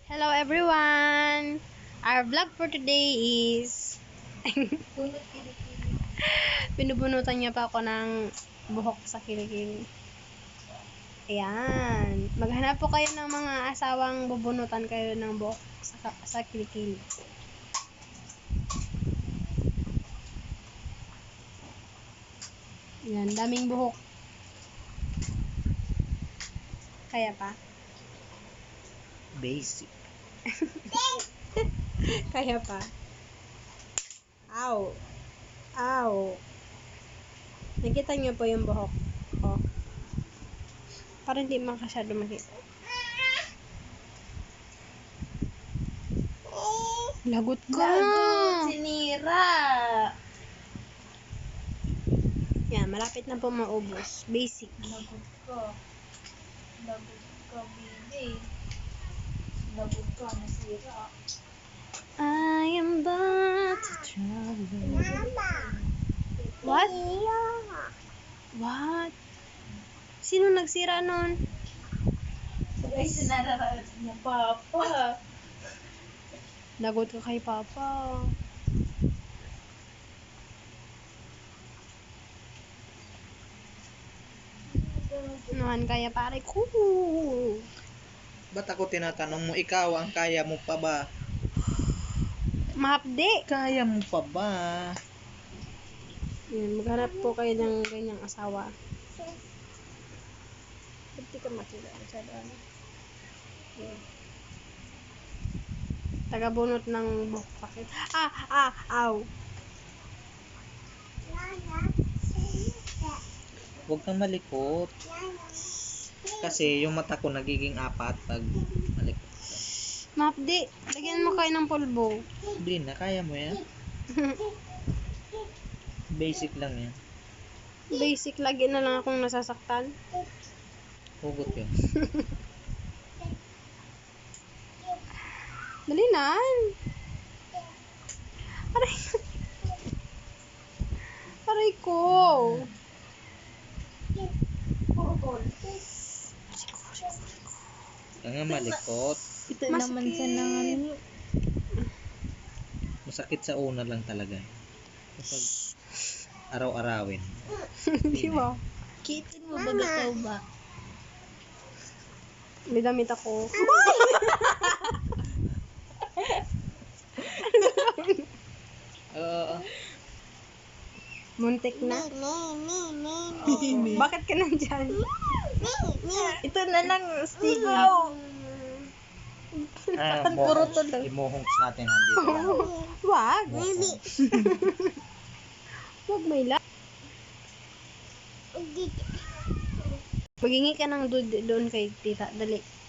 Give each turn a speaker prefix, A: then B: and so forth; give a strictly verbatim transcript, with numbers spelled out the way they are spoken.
A: Hello everyone! Our vlog for today is pinubunutan niya pa ako ng buhok sa kilikili. Ayan. Maghanap po kayo ng mga asawang bubunutan kayo ng buhok sa, sa kilikili. Ayan. Daming buhok. Kaya pa?
B: Basic.
A: Kaya pa? Ow! Ow! Nakita niyo po yung buhok ko. Para hindi makasyado makita. Lagot ka!
C: Lagot, sinira!
A: Yan, malapit na po maubos. Basic.
C: Lagot ka. Lagot ka, baby. Lagot ka, nasira.
A: I am about to travel. What? What? Sino nagsira nun?
C: Sabay sinara niya, Papa.
A: Lagot ka kay Papa. Naman kaya pare ko.
B: Ba't ako tinatanong mo, ikaw ang kaya mo pa ba?
A: Mahapdi.
B: Kaya mo pa ba?
A: Yan, maghanap po kayo ng ganyang asawa. Hindi ka makita. Masyado ano. Yan. Tagabunot ng buhok pakit. Ah! Ah! Aw!
B: Huwag kang malikot. Kasi yung mata ko nagiging apat pag malikot ka.
A: Mahapdi. Lagyan mo kayo ng pulbo.
B: Hindi na, kaya mo yan. Basic lang yan.
A: Basic. Lagi na lang akong nasasaktan.
B: Hugot yun.
A: Dali na. Aray. Aray ko.
C: Purple.
B: Kaya nga malikot.
C: Ito
A: Mas
C: naman
A: ki-
C: siya ng ano.
B: Masakit sa una lang talaga. Kapag araw-arawin.
A: Di ba?
C: Kitin mo ba ikaw ba?
A: May damit ako.
B: Oo.
A: Muntik na. Bakit ka nandyan?
C: Ito na lang, stigo.
B: Ah,
C: Puro
B: mohongs.
C: tuloy.
B: I-mohongs natin nandito lang.
A: Wag.
B: Mohongs.
A: Wag may la. Magingi ka ng dude doon kay tita. Dali.